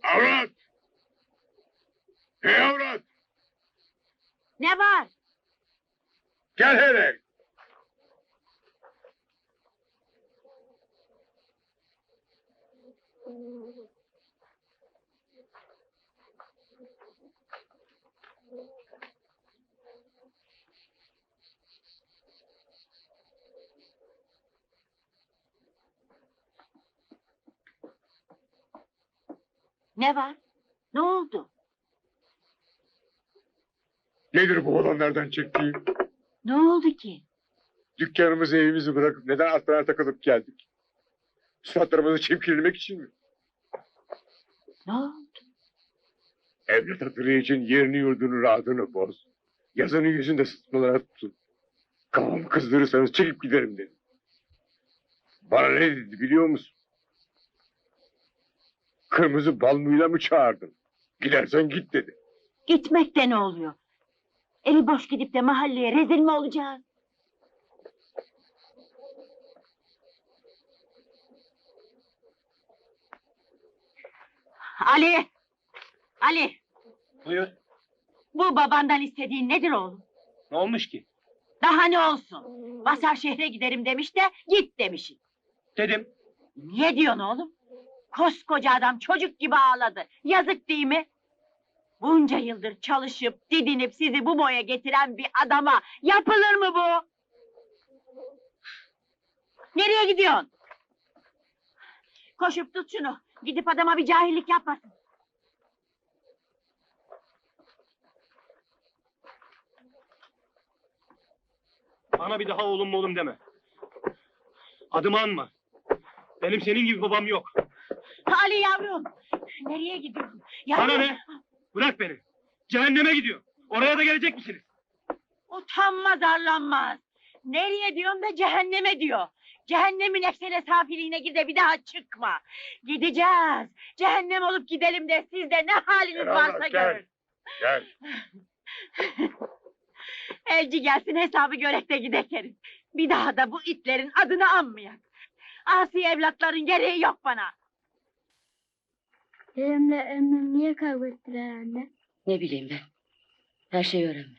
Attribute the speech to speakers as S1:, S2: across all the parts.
S1: Avrat! Hey avrat!
S2: Ne var?
S1: Gel hele!
S2: Ne var? Ne oldu?
S1: Nedir bu olanlardan çektiğim?
S2: Ne oldu ki?
S1: Dükkanımızı evimizi bırakıp neden atlara takılıp geldik? Suratlarımızı çimkirlemek için mi?
S2: Ne oldu?
S1: Evlat hatırı için yerini yurdunu rahatını boz. Yazının yüzünde sıtmalara tutun. Kafamı kızdırırsanız çekip giderim dedim. Bana ne dedi biliyor musun? Kırmızı balmuyla mı çağırdın? Gidersen git dedi.
S2: Gitmekte ne oluyor? Eli boş gidip de mahalleye rezil mi olacağız? Ali! Ali!
S3: Buyur.
S2: Bu babandan istediğin nedir oğlum?
S3: Ne olmuş ki?
S2: Daha ne olsun? Basar şehre giderim demiş de git demişsin.
S3: Dedim.
S2: Niye diyorsun oğlum? Koskoca adam çocuk gibi ağladı. Yazık değil mi? Bunca yıldır çalışıp didinip sizi bu boya getiren bir adama yapılır mı bu? Nereye gidiyorsun? Koşup tut şunu. Gidip adama bir cahillik yapmasın.
S3: Bana bir daha oğlum deme. Adımı anma. Benim senin gibi babam yok.
S2: Ali yavrum. Nereye gidiyorsun?
S3: Bana ne? Bırak beni. Cehenneme gidiyor. Oraya da gelecek misiniz?
S2: Utanmaz arlanmaz. Nereye diyorsun da cehenneme diyor. Cehennemin eksene safiliğine gir de bir daha çıkma. Gideceğiz. Cehennem olup gidelim de siz de ne haliniz
S1: Gel
S2: varsa
S1: Allah,
S2: görün.
S1: Gel.
S2: Elci gelsin hesabı görek de gidek herif. Bir daha da bu itlerin adını anmayak. Asi evlatların gereği yok bana.
S4: Dedemle Emre niye kavga ettiler anne?
S2: Ne bileyim ben. Her şeyi öğrendim.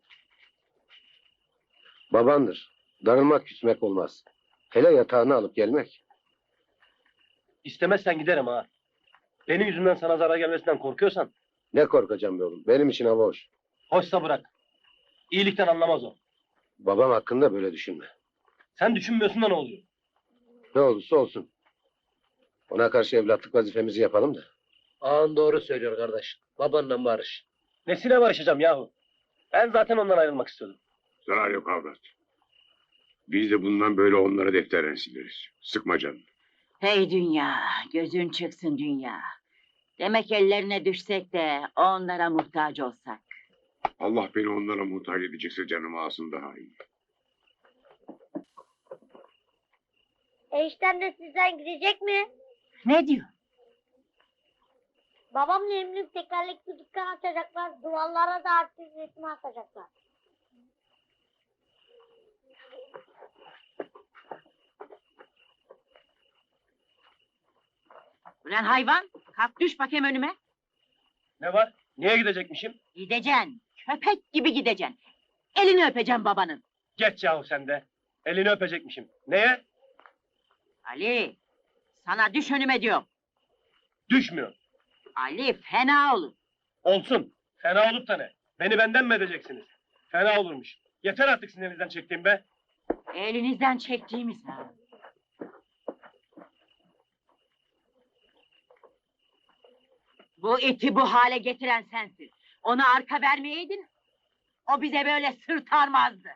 S5: Babandır. Darılmak küsmek olmaz. Hele yatağını alıp gelmek.
S3: İstemezsen giderim ha. Benim yüzümden sana zarar gelmesinden korkuyorsan
S5: Ne korkacağım be oğlum. Benim için hava hoş.
S3: hoşsa bırak. İyilikten anlamaz o.
S5: Babam hakkında böyle düşünme.
S3: Sen düşünmüyorsun da ne oluyor?
S5: Ne olursa olsun. Ona karşı evlatlık vazifemizi yapalım da.
S6: Ağan doğru söylüyor kardeş. Babanla barış.
S3: Nesine barışacağım yahu? Ben zaten ondan ayrılmak istiyordum.
S1: Zarar yok avrat. Biz de bundan böyle onlara defterden sileriz. Sıkma canını.
S2: Hey dünya, gözün çıksın dünya. Demek ellerine düşsek de onlara muhtaç olsak.
S1: Allah beni onlara muhtaç edecekse canımı alsın daha iyi.
S4: Enişten de sizden gidecek mi?
S2: Ne diyor?
S4: Babamla Emre'nin tekerlekli dükkan açacaklar. Duvarlara da artist resmi asacaklar.
S2: Ulan hayvan, kalk düş bakayım önüme.
S3: Ne var? Niye gidecekmişim?
S2: Gideceksin, köpek gibi gideceksin. Elini öpeceğim babanın.
S3: Geç yahu sen de. Elini öpecekmişim. Neye?
S2: Ali, sana düş önüme diyorum.
S3: Düşmüyor.
S2: Ali fena olur.
S3: Olsun. Fena olup da ne? Beni benden mi edeceksiniz? Fena olurmuş. Yeter artık sizin elinizden çektiğim be.
S2: Elinizden çektiğimiz ha. Bu iti bu hale getiren sensin. Ona arka vermeyeydin, o bize böyle sırtarmazdı.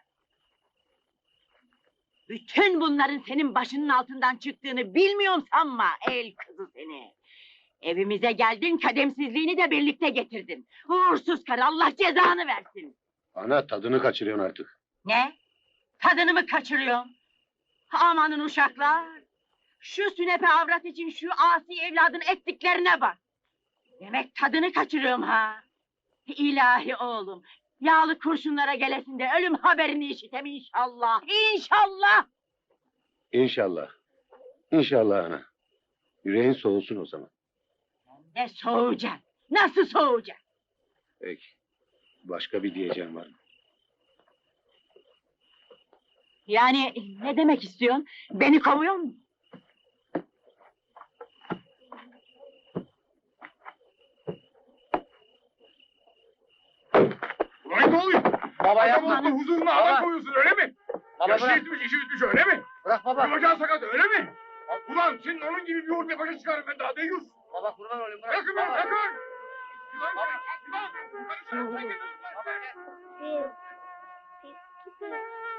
S2: Bütün bunların senin başının altından çıktığını bilmiyorum sanma el kızı seni. Evimize geldin, kademsizliğini de birlikte getirdin. Uğursuz karı, Allah cezanı versin.
S5: Ana tadını kaçırıyorsun artık.
S2: Ne? Tadını mı kaçırıyorsun? Amanın uşaklar! Şu sünepe avrat için şu asi evladın ettiklerine bak. Demek tadını kaçırıyorum ha. İlahi oğlum, yağlı kurşunlara gelesin de ölüm haberini işitem inşallah. İnşallah!
S5: İnşallah. İnşallah ana. Yüreğin soğusun o zaman.
S2: Ne soğuyacaksın? Nasıl soğuyacaksın?
S5: Peki. Başka bir diyeceğim var mı?
S2: Yani ne demek istiyorsun? Beni kovuyor musun?
S1: Ulan ne oluyor?
S6: Baba
S1: Adam
S6: yapma.
S1: oldu huzuruna
S6: Baba.
S1: adam koyuyorsun öyle mi?
S6: Baba
S1: Yaşı
S6: bırak.
S1: yetmiş, işi bitmiş öyle mi?
S6: Bırak baba.
S1: Bacağı sakat öyle mi? Ulan senin onun gibi bir yoğurt başa çıkarım ben daha deyiz.
S6: Baba kurban olayım bırak.
S1: Bırakın beni
S6: Baba.
S1: bırakın. Ulan ulan karışırım sen gel.
S4: Bir, iki,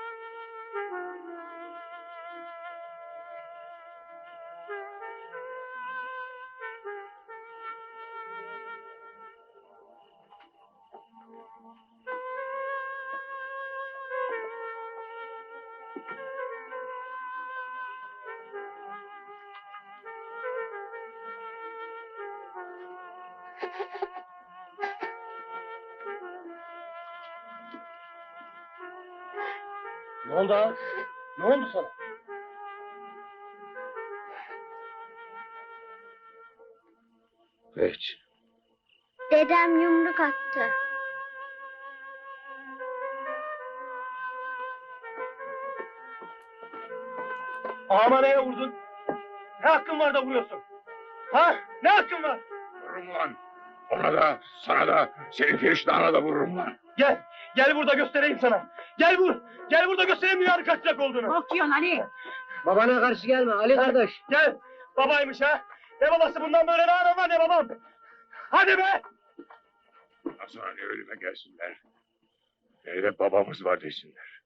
S3: Ne oldu ha? Ne oldu sana?
S5: Hiç.
S4: Dedem yumruk attı.
S3: Ağama neye vurdun? Ne hakkın var da vuruyorsun? Ha? Ne hakkın var?
S1: Vururum ulan. Ona da sana da senin periştahına da vururum lan.
S3: Gel. Gel burada göstereyim sana. Gel vur. Gel burada göstereyim dünyanın kaç sıcak olduğunu.
S2: Korkuyorsun Ali.
S6: Babana karşı gelme Ali kardeş.
S3: Gel. Babaymış ha. Ne babası bundan böyle ne anam var ne babam. Hadi be.
S1: Ondan sonra ne ölüme gelsinler. Ne de babamız var desinler.